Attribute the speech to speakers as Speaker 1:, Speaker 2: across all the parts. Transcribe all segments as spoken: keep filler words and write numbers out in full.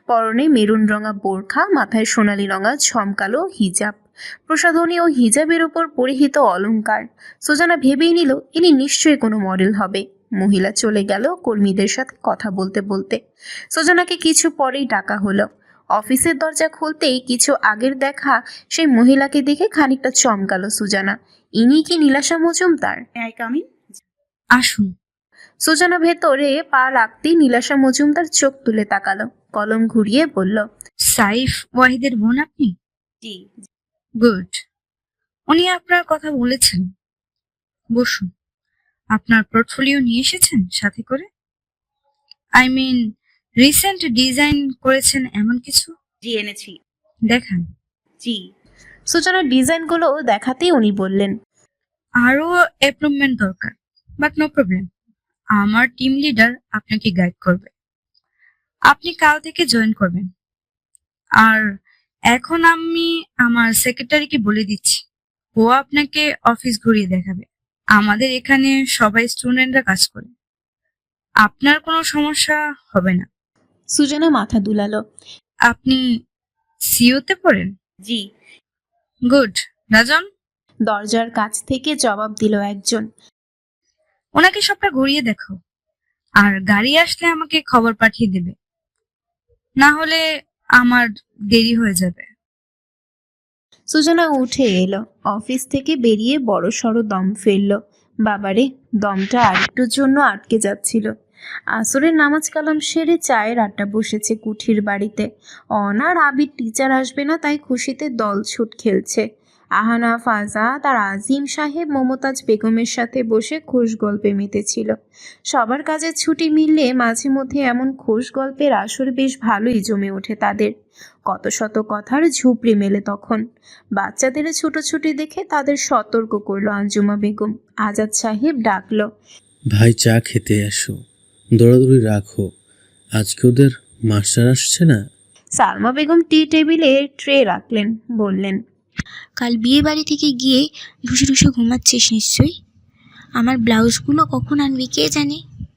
Speaker 1: পরনে মেরুন রঙা বোরখা, মাথায় সোনালি রঙা ঝমকালো হিজাব, প্রসাধনী ও হিজাবের উপর পরিহিত অলংকার। সুজানা ভেবেই নিল ইনি নিশ্চয়ই কোনো মডেল হবে। মহিলা চলে গেল কর্মীদের সাথে কথা বলতে বলতে। সুজানাকে কিছু পরেই ডাকা হলো। অফিসের দরজা খুলতেই কিছু আগের দেখা সেই মহিলাকে দেখে খানিকটা চমকালো সুজানা। ইনি কি Nilasha Majumdar?
Speaker 2: I come in?
Speaker 3: আসুন।
Speaker 1: সুজানা ভেতরে পা রাখতেই নীলাশা মজুমদার চোখ তুলে তাকালো, কলম ঘুরিয়ে বলল,
Speaker 3: সাইফ ওয়াহিদের বোন আপনি?
Speaker 2: জি।
Speaker 3: গুড। উনি আপনার কথা বলেছেন। বসুন। আপনার পোর্টফোলিও নিয়ে এসেছেন সাথে করে? আই মিন রিসেন্ট ডিজাইন করেছেন এমন কিছু?
Speaker 2: জি এনেছি।
Speaker 3: দেখান।
Speaker 2: জি।
Speaker 1: সুজানার ডিজাইনগুলো দেখাতেই উনি বললেন,
Speaker 3: আরো অ্যাপ্রুভমেন্ট দরকার, বাট নো প্রবলেম। আমার টিম লিডার আপনাকে গাইড করবে। আপনি কাল থেকে জয়েন করবেন। আর এখন আমি আমার সেক্রেটারিকে বলে দিচ্ছি, ও আপনাকে অফিস ঘুরিয়ে দেখাবে। আমাদের এখানে সবাই স্টুডেন্টরা কাজ করে, আপনার কোনো সমস্যা হবে না।
Speaker 1: সুজানা মাথা দুলালো।
Speaker 3: আপনি সিওতে পড়েন?
Speaker 2: জি।
Speaker 3: গুড। রাজন?
Speaker 1: দরজার কাছ থেকে জবাব দিল একজন।
Speaker 3: ওনাকে সবটা ঘুরিয়ে দেখো, আর গাড়ি আসলে আমাকে খবর পাঠিয়ে দেবে, না হলে আমার দেরি হয়ে যাবে।
Speaker 1: সুজানা উঠে এলো, অফিস থেকে বেরিয়ে বড় সড়ো দম ফেললো। বাবারে, দমটা আরেকটুর জন্য আটকে যাচ্ছিল। আসরের নামাজ কালাম সেরে চায়ের আড্ডা বসেছে কুঠির বাড়িতে। অনার আবির টিচার আসবে না তাই খুশিতে দলছুট খেলছে। আহানা, ফাজাদ আর আজিম সাহেব মমতাজ বেগমের সাথে বসে খোশ গল্পে মেতেছিল। সবার কাজের ছুটি মিললে মাঝে মধ্যে এমন খোশ গল্পের আসর বেশ ভালোই জমে ওঠে তাদের। কত শত কথার ঝুপড়ি মেলে তখন। বাচ্চাদের ছুটোছুটি দেখে তাদের সতর্ক করলো আঞ্জুমা বেগম। আজাদ সাহেব ডাকলো,
Speaker 4: ভাই চা খেতে আসো, দৌড়াদৌড়ি রাখো, আজকে ওদের মাস্টার আসছে না।
Speaker 1: সালমা বেগম টি টেবিলে ট্রে রাখলেন, বললেন,
Speaker 5: কাল বিয়ে বাড়ি থেকে গিয়ে ঢুসে ঢুসে ঘুমাচ্ছিস নিশ্চয়ই। আমার ব্লাউজগুলো কখন আনবি কে জানে।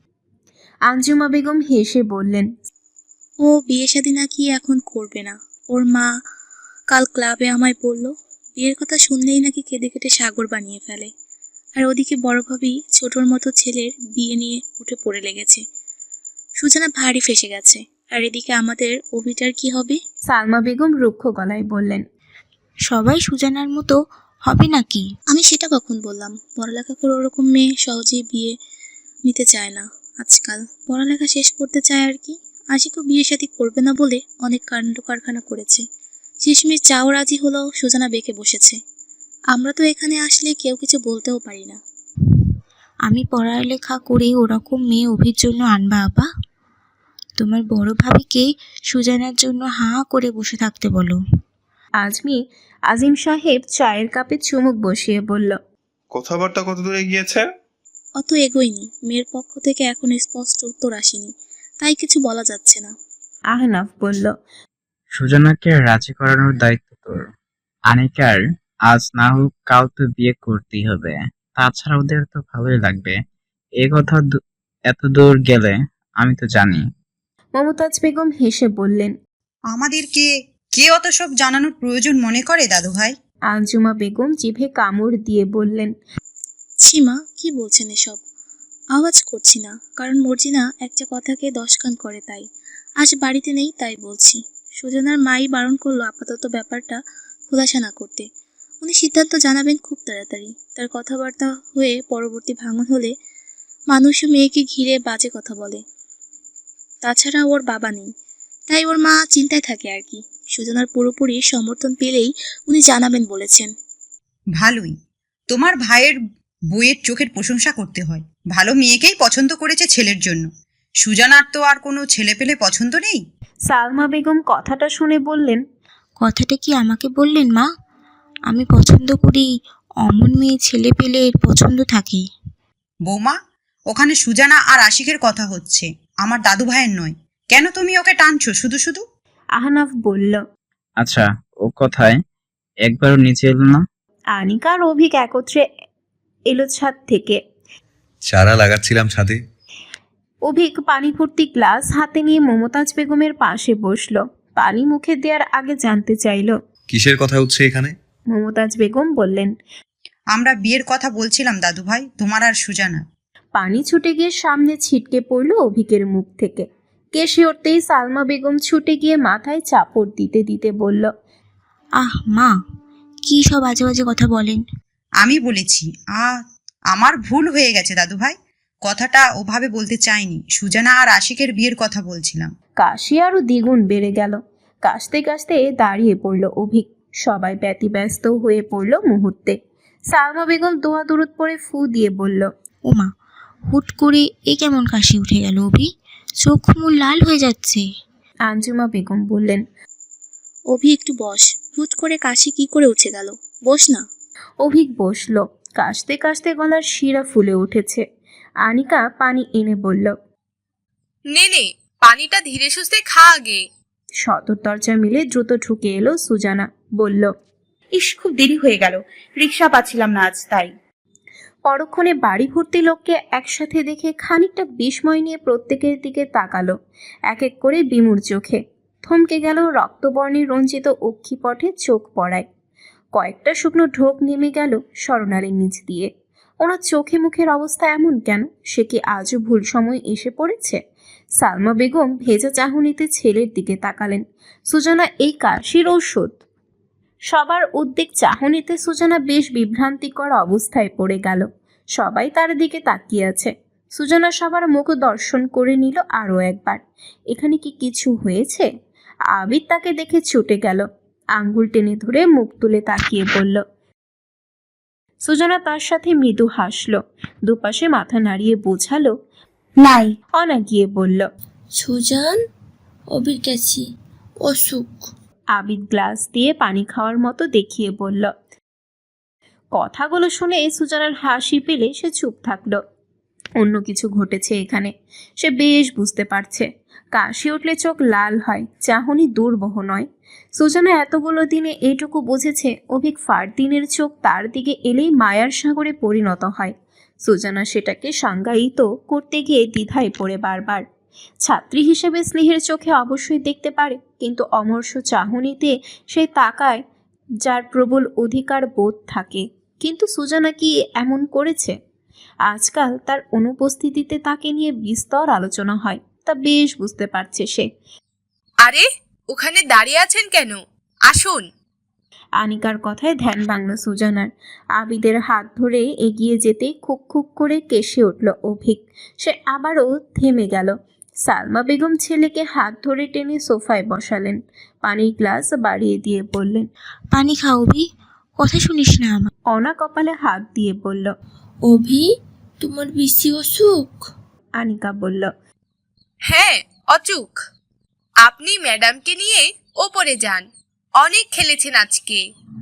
Speaker 1: আঞ্জুমা বেগম হেসে বললেন,
Speaker 6: ও বিয়ে শাদী নাকি এখন করবে না। ওর মা কাল ক্লাবে আমায় বলল, বিয়ের কথা শুনলেই নাকি কেঁদে কেটে সাগর বানিয়ে ফেলে। আর ওদিকে বড় ভাবি ছোটর মতো ছেলের বিয়ে নিয়ে উঠে পড়ে লেগেছে। সুজানা ভারী ফেসে গেছে। আর এদিকে আমাদের অভিটার কি হবে?
Speaker 1: সালমা বেগম রুক্ষ গলায় বললেন,
Speaker 5: সবাই সুজানার মতো হবে নাকি?
Speaker 6: আমি সেটা কখন বললাম? পড়ালেখা করে ওরকম মেয়ে সহজেই বিয়ে নিতে চায় না আজকাল। পড়ালেখা শেষ করতে চায় আর কি। আশিকও বিয়ে শাদী করবে না বলে অনেক কাণ্ড কারখানা করেছে। শেষমেশ চাও রাজি হলো, সুজানা বেঁকে বসেছে। আমরা তো এখানে আসলে কেউ কিছু বলতেও পারি না।
Speaker 5: আমি পড়ালেখা করে ওরকম মেয়ে অভির জন্য আনবা আপা? তোমার বড় ভাবিকে সুজানার জন্য হাঁ করে বসে থাকতে বলো।
Speaker 1: আজমি আজিম সাহেব চায়ের কাপে চুমুক বসিয়ে বলল,
Speaker 7: কথাবার্তা কত দূরে গিয়েছে?
Speaker 6: অত এগোয়নি। মেয়ের পক্ষ থেকে এখন স্পষ্ট উত্তর আসেনি, তাই কিছু বলা যাচ্ছে না।
Speaker 1: আহনাফ বলল,
Speaker 8: সুজানাকে রাজি করানোর দায়িত্ব তোর। আনিকার আজ না হোক কাল তো বিয়ে করতেই হবে, তাছাড়া ওদের তো ভালোই লাগবে। এ কথা দু- এত দূর গেলে আমি তো জানি।
Speaker 1: মমতাজ বেগম হেসে বললেন,
Speaker 9: আমাদেরকে কে অত সব জানানোর প্রয়োজন মনে করে দাদু ভাই?
Speaker 1: আঞ্জুমা বেগম জিভে কামড় দিয়ে বললেন,
Speaker 6: সীমা কি বলছেন এসব? আওয়াজ করছি না, কারণ মর্জিনা একটা কথাকে দশ কান করে, তাই আজ বাড়িতে নেই তাই বলছি। সুজানার মাই বারণ করলো আপাতত ব্যাপারটা খোলাসা না করতে। উনি সিদ্ধান্ত জানাবেন খুব তাড়াতাড়ি। তার কথাবার্তা হয়ে পরবর্তী ভাঙন হলে মানুষও মেয়েকে ঘিরে বাজে কথা বলে। তাছাড়া ওর বাবা নেই, তাই ওর মা চিন্তায় থাকে আর কি। সুজানার পুরোপুরি সমর্থন পেলেই উনি জানাবেন বলেছেন।
Speaker 9: ভালোই, তোমার ভাইয়ের বইয়ের চোখের প্রশংসা করতে হয়। ভালো মেয়েকেই পছন্দ করেছে ছেলের জন্য। সুজানার তো আর কোনো ছেলে পেলে পছন্দ নেই।
Speaker 1: সালমা বেগম কথাটা শুনে বললেন,
Speaker 5: কথাটা কি আমাকে বললেন মা? আমি পছন্দ করি অমন মেয়ে ছেলে পেলে এর পছন্দ থাকে।
Speaker 9: বৌমা, ওখানে সুজানা আর আশিকের কথা হচ্ছে, আমার দাদু ভাইয়ের নয়। কেন তুমি ওকে টানছো শুধু শুধু?
Speaker 1: আহনাফ বলল,
Speaker 8: আচ্ছা, ও কথায় একবারও নিচে এলো না।
Speaker 1: আনিকা আর অভিক একত্রে এলো ছাদ থেকে।
Speaker 10: চারা লাগাচ্ছিলাম ছাদে।
Speaker 1: অভিক পানি ভর্তি গ্লাস হাতে নিয়ে মমতাজ বেগমের পাশে বসলো। পানি মুখে দেওয়ার আগে জানতে চাইল।
Speaker 7: কিসের কথা হচ্ছে এখানে?
Speaker 1: মমতাজ বেগম বললেন,
Speaker 9: আমরা বিয়ের কথা বলছিলাম দাদু ভাই, তোমার আর সুজানা।
Speaker 1: পানি ছুটে গিয়ে সামনে ছিটকে পড়ল অভিকের মুখ থেকে। কেশে উঠতেই সালমা বেগম ছুটে গিয়ে মাথায় চাপড় দিতে দিতে বলল,
Speaker 5: আহ মা, কি সব বাজে বাজে কথা বলেন।
Speaker 9: আমি বলেছি, আ আমার ভুল হয়ে গেছে দাদু ভাই, কথাটা ওভাবে বলতে চাইনি। সুজানা আর আশিকের বিয়ের কথা বলছিলাম।
Speaker 1: কাশি আরো দ্বিগুণ বেড়ে গেল। কাশতে কাশতে দাঁড়িয়ে পড়ল অভিক। সবাই ব্যতিব্যস্ত হয়ে পড়ল মুহূর্তে। সালমা বেগম দোয়া দরুদ পরে ফু দিয়ে বলল,
Speaker 5: ও মা, হুট করে এ কেমন কাশি উঠে গেল অভি, চোখ মুখ লাল হয়ে যাচ্ছে।
Speaker 1: আঞ্জুমা বেগম বললেন,
Speaker 6: অভি একটু বস, হুট করে কাশি কি করে উঠে গেল, বস না।
Speaker 1: অভিক বসল। কাশতে কাশতে গলার শিরা ফুলে উঠেছে। আনিকা পানি এনে বলল,
Speaker 10: নে নে, পানিটা ধীরে সুস্থে খা আগে।
Speaker 1: সদর দরজা মিলে দ্রুত ঢুকে এলো সুজানা। বলল,
Speaker 2: ইস, খুব দেরি হয়ে গেল, রিক্সা পাচ্ছিলাম না আজ, তাই।
Speaker 1: পরক্ষণে বাড়ি ভর্তি লোককে একসাথে দেখে খানিকটা বিস্ময় নিয়ে প্রত্যেকের দিকে তাকালো, এক এক করে বিমূঢ় চোখে। থমকে গেল রক্তবর্ণের রঞ্জিত অক্ষিপটে চোখ পড়ায়। কয়েকটা শুকনো ঢোক নেমে গেল স্বর্ণালীর নিচ দিয়ে। ওনার চোখে মুখের অবস্থা এমন কেন? সে কি আজও ভুল সময় এসে পড়েছে? সালমা বেগম ভেজা চাহনিতে ছেলের দিকে তাকালেন। সুজানা এই কাশির ঔষধ? সবার উদ্বেগ চাহনিতে সুজানা বেশ বিভ্রান্তিকর অবস্থায় পড়ে গেল। সবাই তার দিকে তাকিয়ে আছে। সুজানা সবার মুখ দর্শন করে নিল আরও একবার। এখানে কি কিছু হয়েছে? আবির তাকে দেখে ছুটে গেল, আঙ্গুল টেনে ধরে মুখ তুলে তাকিয়ে বলল। সুজানা তার সাথে মৃদু হাসল, দুপাশে মাথা নাড়িয়ে বোঝালো,
Speaker 2: নাই।
Speaker 1: অনা গিয়ে বলল,
Speaker 11: সুজান, অবির গেছি, অসুখ।
Speaker 1: আবিদ গ্লাস দিয়ে পানি খাওয়ার মতো দেখিয়ে বলল। কথাগুলো শুনে সুজানার হাসি পেলে সে চুপ থাকলো। অন্য কিছু ঘটেছে এখানে, সে বেশ বুঝতে পারছে। কাশি উঠলে চোখ লাল হয়, চাহনি দুর্বহ নয়। সুজানা এতগুলো দিনে এইটুকু বুঝেছে, অভিক ফারদিনের চোখ তার দিকে এলেই মায়ার সাগরে পরিণত হয়। সুজানা সেটাকে সংজ্ঞায়িত করতে গিয়ে দ্বিধায় পড়ে বারবার। ছাত্রী হিসেবে স্নেহের চোখে অবশ্যই দেখতে পারে, কিন্তু অমর্ষ চাহনিতে সে তাকায় যার প্রবল অধিকার বোধ থাকে। কিন্তু সুজানা কি এমন করেছে? আজকাল তার অনুপস্থিতিতে তাকে নিয়ে বিস্তর আলোচনা হয়, তা বেশ বুঝতে পারছে সে।
Speaker 10: আরে, ওখানে দাঁড়িয়ে আছেন কেন? আসুন।
Speaker 1: আনিকার কথায় ধ্যান ভাঙল সুজানার। আবিদের হাত ধরে এগিয়ে যেতেই খুক খুক করে কেশে উঠল অভিক। সে আবারও থেমে গেল। সালমা বেগম ছেলেকে হাত ধরে টেনে সোফায় বসালেন, পানির গ্লাস বাড়িয়ে দিয়ে বললেন,
Speaker 5: পানি খাও অভি, কথা শুনিস না আমার।
Speaker 1: অনা কপালে হাত দিয়ে বলল,
Speaker 11: অভি, তোমার বেশি অসুখ?
Speaker 1: আনিকা বলল,
Speaker 10: হ্যাঁ, অচুক। আপনি ম্যাডামকে নিয়ে ওপরে যান, অনেক খেলেছেন আজকে।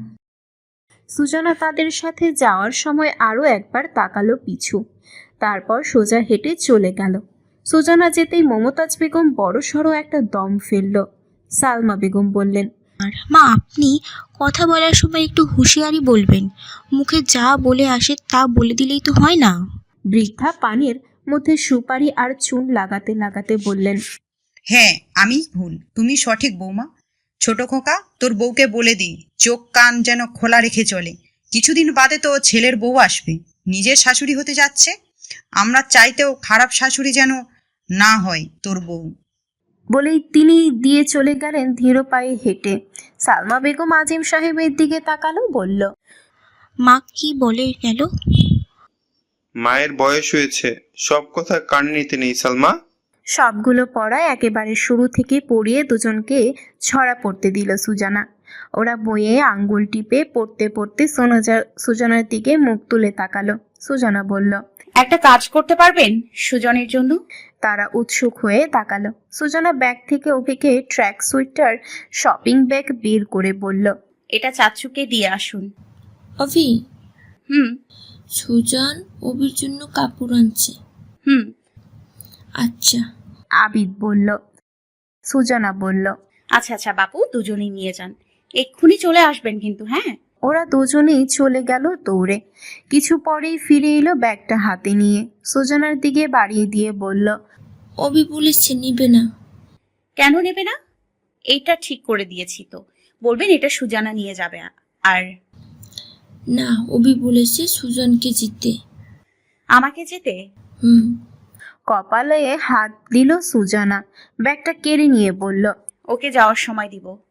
Speaker 1: সুজানা তাদের সাথে যাওয়ার সময় আরও একবার তাকালো পিছু, তারপর সোজা হেঁটে চলে গেল। সুজানা যেতেই মমতাজ বেগম বড়সড় একটা দম ফেলল। সালমা বেগম বললেন,
Speaker 5: মা, আপনি কথা বলার সময় একটু হুঁশিয়ারি বলবেন, মুখে যা বলে আসে তা বলে দিলেই তো হয় না।
Speaker 1: বৃদ্ধা পানির মধ্যে সুপারি আর চুন লাগাতে লাগাতে বললেন,
Speaker 9: হ্যাঁ, আমি ভুল, তুমি সঠিক বৌমা। ছোট খোকা, তোর বউকে বলে দিই চোখ কান যেন খোলা রেখে চলে। কিছুদিন বাদে তো ছেলের বউ আসবে, নিজের শাশুড়ি হতে যাচ্ছে। আমরা চাইতেও খারাপ শাশুড়ি যেন না হয় তোর বউ।
Speaker 1: বলেই তিনি দিয়ে চলে গেলেন ধীর পায়ে হেঁটে। সালমা বেগম আজিম সাহেবের দিকে তাকালো, বলল,
Speaker 5: মা কি বলে গেল?
Speaker 7: মায়ের বয়স হয়েছে, সব কথা কানে নিতে নেই সালমা।
Speaker 1: সবগুলো পড়ায় একেবারে শুরু থেকে পড়িয়ে দুজনকে ছড়া পড়তে দিল সুজানা। ওরা বইয়ে আঙ্গুল টিপে পড়তে পড়তে সোনাজা সুজানার দিকে মুখ তুলে তাকালো। সুজানা বলল,
Speaker 2: একটা কাজ করতে পারবেন সুজনের জন্য?
Speaker 1: তারা উৎসুক হয়ে তাকালো। সুজানা ব্যাগ থেকে অভিকে ট্র্যাক সুইটার শপিং ব্যাগ বের করে বলল,
Speaker 2: এটা চাচুকে দিয়ে আসুন।
Speaker 11: অভি,
Speaker 2: হুম
Speaker 11: সুজান অভির জন্য কাপড় আনছে।
Speaker 2: হুম
Speaker 11: আচ্ছা।
Speaker 1: আবিদ বলল। সুজানা বলল,
Speaker 2: আচ্ছা আচ্ছা বাপু, দুজনেই নিয়ে যান, এক্ষুনি চলে আসবেন কিন্তু। হ্যাঁ।
Speaker 1: ওরা দুজনেই চলে গেল দৌড়ে। কিছু পরেই ফিরে এলো ব্যাগটা হাতে নিয়ে। সুজানার দিকে বাড়িয়ে দিয়ে বলল,
Speaker 11: অবি বলেছে নিবে না।
Speaker 2: কেন নেবে না? এইটা ঠিক করে দিয়েছি তো, বলবেন এটা সুজানা নিয়ে যাবে। আর
Speaker 11: না, অবি বলেছে সুজনকে জিতে।
Speaker 2: আমাকে যেতে?
Speaker 11: হুম।
Speaker 1: কপালে হাত দিল সুজানা, ব্যাগটা কেড়ে নিয়ে বলল,
Speaker 2: ওকে যাওয়ার সময় দিব।